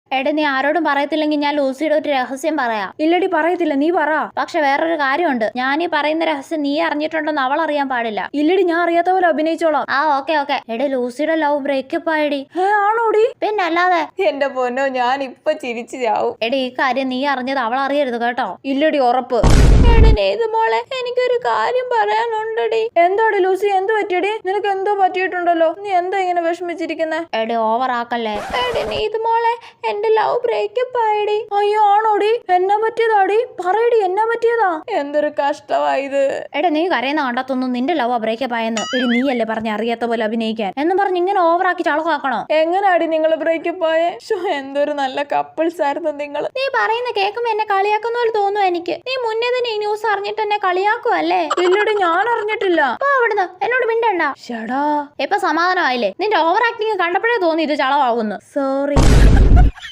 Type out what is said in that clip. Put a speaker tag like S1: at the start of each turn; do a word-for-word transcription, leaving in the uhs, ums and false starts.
S1: എടാ നീ ആരോടും പറയത്തില്ലെങ്കിൽ ഞാൻ ലൂസിയുടെ ഒരു രഹസ്യം പറയാം.
S2: ഇല്ലടി പറയത്തില്ല, നീ പറ.
S1: പക്ഷെ വേറൊരു കാര്യമുണ്ട്, ഞാൻ ഈ പറയുന്ന രഹസ്യം നീ അറിഞ്ഞിട്ടുണ്ടെന്ന് അവൾ അറിയാൻ പാടില്ല.
S2: ഇല്ലടി, ഞാൻ അറിയാത്ത പോലെ അഭിനയിച്ചോളാം.
S1: ആ ഓക്കെ ഓക്കെ. എടാ ലൂസിയുടെ ലവ് ബ്രേക്കപ്പ് ആയിടി.
S2: ആണോടി?
S1: പിന്നെ അല്ലാതെ.
S2: എന്റെ പൊന്നോ, ഞാൻ ഇപ്പൊ ചിരിച്ചു ചാവും.
S1: എടാ ഈ കാര്യം നീ അറിഞ്ഞത് അവൾ അറിയരുത് കേട്ടോ.
S2: ഇല്ലടി, ഉറപ്പ്.
S1: ഏത് മോളെ, എനിക്കൊരു കാര്യം പറയാനുണ്ടടി.
S2: എന്താടി ലൂസി, എന്ത് പറ്റിയടി? നിനക്ക് എന്തോ പറ്റിയിട്ടുണ്ടല്ലോ, നീ എന്താ ഇങ്ങനെ വിഷമിച്ചിരിക്കുന്നേ?
S1: എടി ഓവർ ആക്കല്ലേ. എടി നീത് മോളെ, എന്റെ ലവ് ബ്രേക്കപ്പ് ആയിടി.
S2: അയ്യോ ആണോടി? എന്നാ പറ്റിയതാടി? പറയടി, എന്നാ പറ്റിയതാ? എന്തൊരു കഷ്ടമായത്.
S1: എടാ നീ കരയുന്ന കണ്ടത്തൊന്നും നിന്റെ ലവ് ബ്രേക്കപ്പ് ആയെന്ന്. എടി നീ അല്ലേ പറഞ്ഞ അറിയാത്ത പോലെ അഭിനയിക്കാൻ എന്ന് പറഞ്ഞ് ഇങ്ങനെ ഓവറാക്കി ചളക്കാക്കണോ?
S2: എങ്ങനാടി നിങ്ങൾ ബ്രേക്കപ്പ് ആയേ? എന്തൊരു നല്ല കപ്പിൾസ് ആയിരുന്നു നിങ്ങൾ.
S1: നീ പറയുന്ന കേൾക്കുമ്പോ എന്നെ കളിയാക്കുന്ന പോലെ തോന്നുന്നു എനിക്ക്. നീ മുന്നേ തന്നെ ഈ ന്യൂസ് അറിഞ്ഞിട്ട് എന്നെ കളിയാക്കുവല്ലേ?
S2: ഇല്ലടി, ഞാൻ അറിഞ്ഞിട്ടില്ല.
S1: അവിടുന്ന് എന്നോട് മിണ്ടണ്ട.
S2: ഷടാ,
S1: ഇപ്പൊ സമാധാനമായില്ലേ? നിന്റെ ഓവർ ആക്ടിങ് കണ്ടപ്പോഴേ തോന്നി ഇത് ചളവാകുന്നു.
S2: സോറി.